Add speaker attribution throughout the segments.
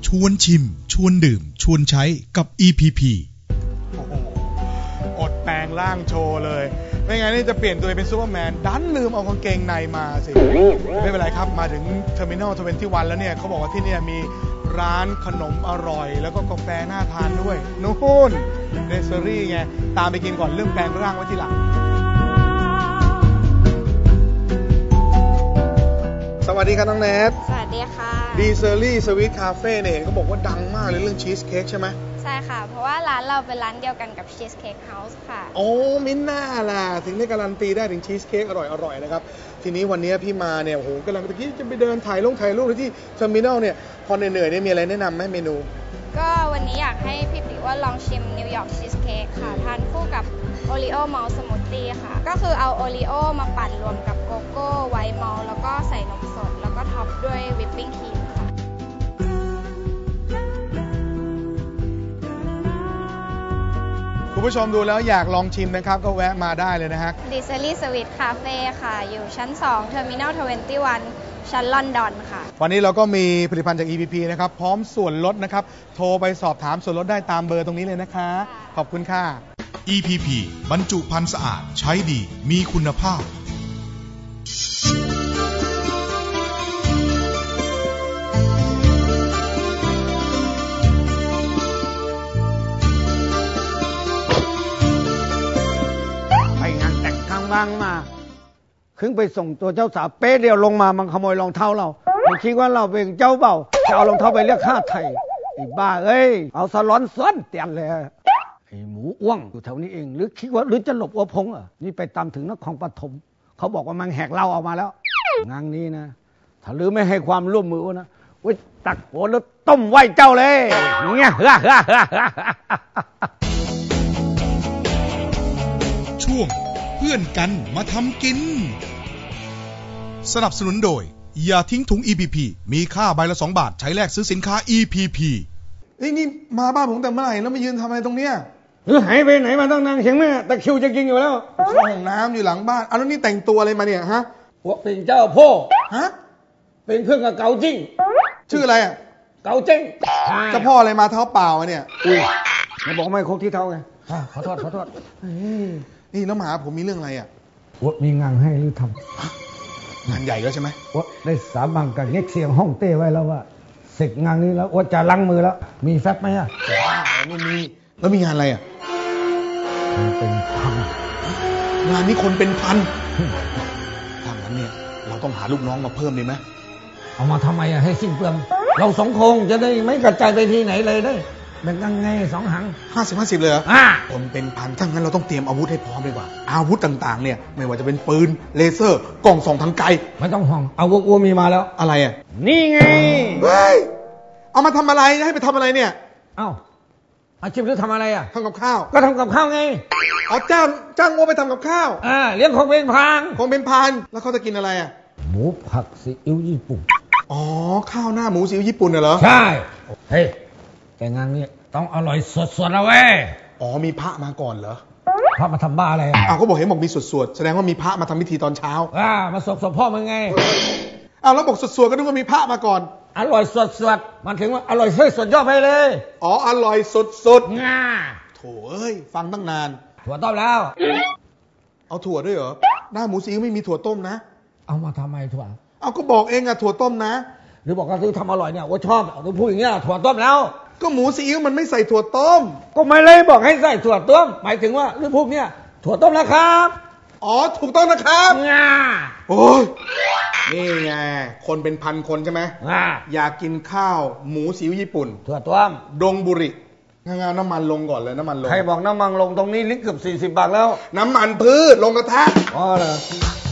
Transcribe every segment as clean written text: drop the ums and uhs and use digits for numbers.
Speaker 1: วนชิมชวนดื่มชวนใช้กับ EPP
Speaker 2: โอ้โหอดแปลงร่างโชว์เลยไม่งั้นนี่จะเปลี่ยนตัวเป็นซูเปอร์แมนดันลืมเอากางเกงในมาสิไม่เป็นไรครับมาถึงเทอร์มินอล21แล้วเนี่ยเขาบอกว่าที่นี่มีร้านขนมอร่อยแล้วก็กาแฟน่าทานด้วยนู่นเนสเซอรี่ไงตามไปกินก่อนเรื่องแปลงร่างไว้ทีหลังสวัสดีครับน้องแนท
Speaker 3: สวัสดีค่ะ
Speaker 2: ดีเซอรี่สวีทคาเฟ่เนี่ยเขาบอกว่าดังมากเลยเรื่องชีสเค้กใช่ไหม
Speaker 3: ใช่ค่ะเพราะว่าร้านเราเป็นร้านเดียวกันกับชีสเค้กเฮาส์ค่ะ
Speaker 2: โอ้มิ้นน่าล่ะถึงได้การันตีได้ถึงชีสเค้กอร่อยนะครับทีนี้วันนี้พี่มาเนี่ยโอ้โหกำลังตะกี้จะไปเดินถ่ายรูปที่เทอร์มินอลเนี่ยพอเหนื่อยๆเนี่ยมีอะไรแนะนำไหมเมนู
Speaker 3: ก็วันนี้อยากให้พี่ปิ๊กว่าลองชิมนิวยอร์กชีสเค้กค่ะทานคู่กับโอรีโอมอลต์สมูทตี้ค่ะก็คือเอาโอรีโอมาปั่นรวมกับโกโก้ไวท์มอลต์แล้วก็ใส่นมสดแล้วก็ท็อปด้วยวิปปิ้งครีมค่ะ
Speaker 2: คุณผู้ชมดูแล้วอยากลองชิมนะครับก็แวะมาได้เลยนะฮะ
Speaker 3: ดิเซอรี่สวีทคาเฟ่ค่ะอยู่ชั้น2เทอร์มินอล21ชั้นลอนดอนค่ะ
Speaker 2: วันนี้เราก็มีผลิตภัณฑ์จาก EPP นะครับพร้อมส่วนลดนะครับโทรไปสอบถามส่วนลดได้ตามเบอร์ตรงนี้เลยนะคะขอบคุณค่ะ
Speaker 1: EPP บรรจุภัณฑ์สะอาดใช้ดีมีคุณภาพ
Speaker 4: ไปงานแต่งข้างบ้างมาขึ้นไปส่งตัวเจ้าสาวเป๊ะเดียวลงมามันขโมยรองเท้าเราไม่คิดว่าเราเป็นเจ้าเบ่าจะเอารองเท้าไปเรียกค่าไถ่ไอ้บ้าเอ้ยเอาสลอนซ้อนเตียนเลยไอ้หมูอ้วงอยู่แถวนี้เองหรือคิดว่าหรือจะหลบอัวพงอ่ะนี่ไปตามถึงนครปฐมเขาบอกว่ามันแหกเหล้าออกมาแล้วงานนี้นะถ้าลือไม่ให้ความร่วมมือนะวิตักโหแล้วต้มไว้เจ้าเลยเนี่ย
Speaker 1: ช่วงเพื่อนกันมาทำกินสนับสนุนโดยอย่าทิ้งถุง EPP มีค่าใบละ2 บาทใช้แลกซื้อสินค้า EPP
Speaker 2: นี่มาบ้านผมแต่เมื่อไหร่แล้วมายืนทำอะไรตรงเนี้ย
Speaker 4: หรือหายไปไหนมาตั้งนานเข็งแม่ตะคิวจะกินอยู่แล้ว
Speaker 2: เข้าห้องน้ำอยู่หลังบ้านแล้วนี่แต่งตัวอะไรมาเนี่ยฮะ
Speaker 4: ว่าเป็นเจ้าพ่อ
Speaker 2: ฮะ
Speaker 4: เป็นเพื่อนกับเกาจิ้ง
Speaker 2: ชื่ออะไรอ่ะ
Speaker 4: เกาจิ้ง
Speaker 2: เจ้าพ่ออะไรมาเท้าเปล่าเนี่ย
Speaker 4: อุ้ยไม่บอกไม่ครบที่เท้าไงขอโทษ
Speaker 2: นี่แล้วมาหาผมมีเรื่องอะไรอ่ะ
Speaker 4: ว่ามีงานให้หรือทำ
Speaker 2: งานใหญ่แล้วใช่ไหม
Speaker 4: ว่าได้สาบังกับเน็กเสียงห้องเต้ไว้แล้วว่าเสร็จงานนี้แล้วว่าจะล้างมือแล้วมีแฟบไหมอ่ะ
Speaker 2: ไม่มีแล้วมีงานอะไรอ่ะ
Speaker 4: เป็นพัน
Speaker 2: งานนี้คนเป็นพันถ้างั้นเนี่ยเราต้องหาลูกน้องมาเพิ่มดีไหม
Speaker 4: เอามาทำไมอ่ะให้สิ้นเปลืองเรา2 คงจะได้ไม่กระจายไปที่ไหนเลยได้แบ่งกันไง2 หัง
Speaker 2: 50-50เลยเหรอคนเป็นพันถ้างั้นเราต้องเตรียมอาวุธให้พร้อมดีกว่าอาวุธต่างๆเนี่ยไม่ว่าจะเป็นปืนเลเซอร์กล้องส่องทางไกล
Speaker 4: ไม่ต้องห่วงอาวุธกูมีมาแล้ว
Speaker 2: อะไรอ่ะ
Speaker 4: นี่ไง
Speaker 2: เฮ้ยเอามาทำอะไรให้ไปทำอะไรเนี่ย
Speaker 4: อาชีพหรือทำอะไรอ่ะ
Speaker 2: ทำกับข้าว
Speaker 4: ก็ทำกับข้าวไง
Speaker 2: อ๋อจ้างงัวไปทำกับข้าว
Speaker 4: เลี้ยงของเป็นพัน
Speaker 2: แล้วเขาจะกินอะไรอ่ะ
Speaker 4: หมูผักซีอิ๊วญี่ปุ่น
Speaker 2: อ๋อข้าวหน้าหมูซีอิ๊วญี่ปุ่นเหรอ
Speaker 4: ใช่เฮ้ยแต่งานนี้ต้องอร่อยสดๆนะเว้ย
Speaker 2: อ๋อมีพระมาก่อนเหรอ
Speaker 4: พระมาทำบ้าอะไร
Speaker 2: ก็บอกเห็นบอกมีสวดแสดงว่ามีพระมาทำพิธีตอนเช้า
Speaker 4: มาสดพ่อมึงไง
Speaker 2: แล้วบอกสวดก็นึกว่ามีพระมาก่อน
Speaker 4: อร่อยสดมันถึงว่าอร่อยสดยอดไปเลย
Speaker 2: อ๋ออร่อยสดโถเอ้ยฟังตั้งนาน
Speaker 4: ถั่วต้มแล้ว
Speaker 2: เอาถั่วด้วยเหรอหน้าหมูซีอิ๊วไม่มีถั่วต้มนะ
Speaker 4: เอามาทำไมถั่ว
Speaker 2: ก็บอกเองถั่วต้มนะ
Speaker 4: หรือบอกว่าซื้อทำอร่อยเนี่ยว่าชอบหรือพูดอย่างเงี้ยถั่วต้มแล้ว
Speaker 2: ก็หมูซีอิ๊วมันไม่ใส่ถั่วต้ม
Speaker 4: ก็ไม่เลยบอกให้ใส่ถั่วต้มหมายถึงว่าหรือพวกเนี้ยถั่วต้มนะครับ
Speaker 2: ถูกต้องนะครับโอ้ยนี่ไงคนเป็นพันคนใช่ไหมอยากกินข้าวหมูซีอิ๊วญี่ปุ่น
Speaker 4: ถั่วต้ม
Speaker 2: ดงบุริน้ำมันลงก่อนเลยน้ำมันลง
Speaker 4: ใครบอกน้ำมันลงตรงนี้ลิตรเกือบ40 บาทแล้ว
Speaker 2: น้ำมันพืชลงกระทะ
Speaker 4: เหรอ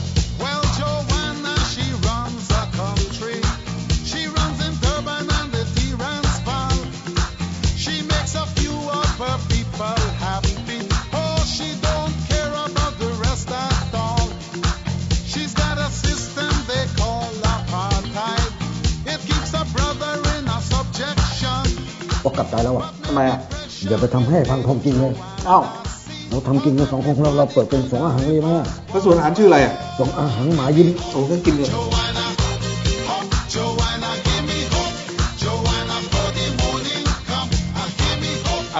Speaker 4: กลับใจแล้ว
Speaker 2: ทำไม
Speaker 4: อย่าไปทำให้พังคงกินเลยเราทำกินกัน2 คนเราเปิดเป็น2 อาหารเลยมั้ย
Speaker 2: แล้วส่วนอาหารชื่ออะไร
Speaker 4: 2 อาหารหมายิ้ม
Speaker 2: ก็กินเลย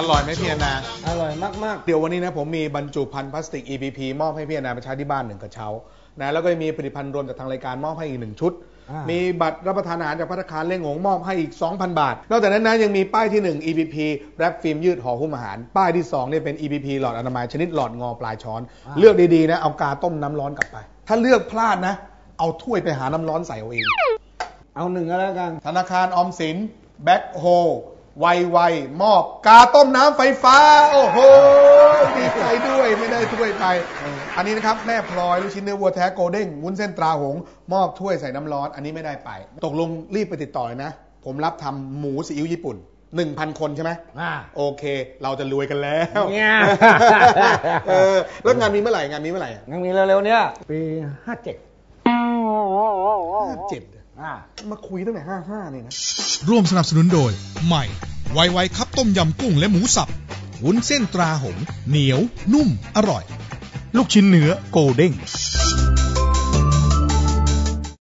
Speaker 2: ร่อยไหมพี่แอนนา
Speaker 4: อร่อยมาก
Speaker 2: เดี๋ยววันนี้นะผมมีบรรจุภัณฑ์พลาสติก EPP มอบให้พี่แอนนาไปใช้ที่บ้าน1 กระเช้านะแล้วก็มีผลิตภัณฑ์รวมจากทางรายการมอบให้อีก1 ชุดมีบัตรรับประทานอาหารจากภัตตาคารเล่งหงมอบให้อีก 2,000 บาทนอกจากนั้นนะยังมีป้ายที่1 EPP แรปฟิล์มยืดห่อหุ้มอาหารป้ายที่2เนี่ยเป็น EPP หลอดอนามัยชนิดหลอดงอปลายช้อนเลือกดีๆนะเอากาต้มน้ำร้อนกลับไปถ้าเลือกพลาดนะเอาถ้วยไปหาน้ำร้อนใส่เอาเอง
Speaker 4: เอา1ก็แล้วกัน
Speaker 2: ธนาคารออมสินแบ็คโฮไวมอบกาต้มน้ำไฟฟ้าโอ้โหดีใจด้วยไม่ได้ถ้วยไปอันนี้นะครับแม่พลอยลูกชิ้นเนื้อวัวแท้โกลเด้งวุ้นเส้นตราหงมอบถ้วยใส่น้ำร้อนอันนี้ไม่ได้ไปตกลงรีบไปติดต่อเลยนะผมรับทำหมูซีอิ๊วญี่ปุ่น 1,000 คนใช่ไหมโอเคเราจะรวยกันแล้วแล้วงานมีเมื่อไหร่งานมี
Speaker 4: เร็วๆเนี้ยปี57
Speaker 2: มาคุยตั้งแต่55นี่นะ
Speaker 1: ร่วมสนับสนุนโดยใหม่ไวๆครับต้มยำกุ้งและหมูสับวุ้นเส้นตราหงเหนียวนุ่มอร่อยลูกชิ้นเนื้อโกลเด้ง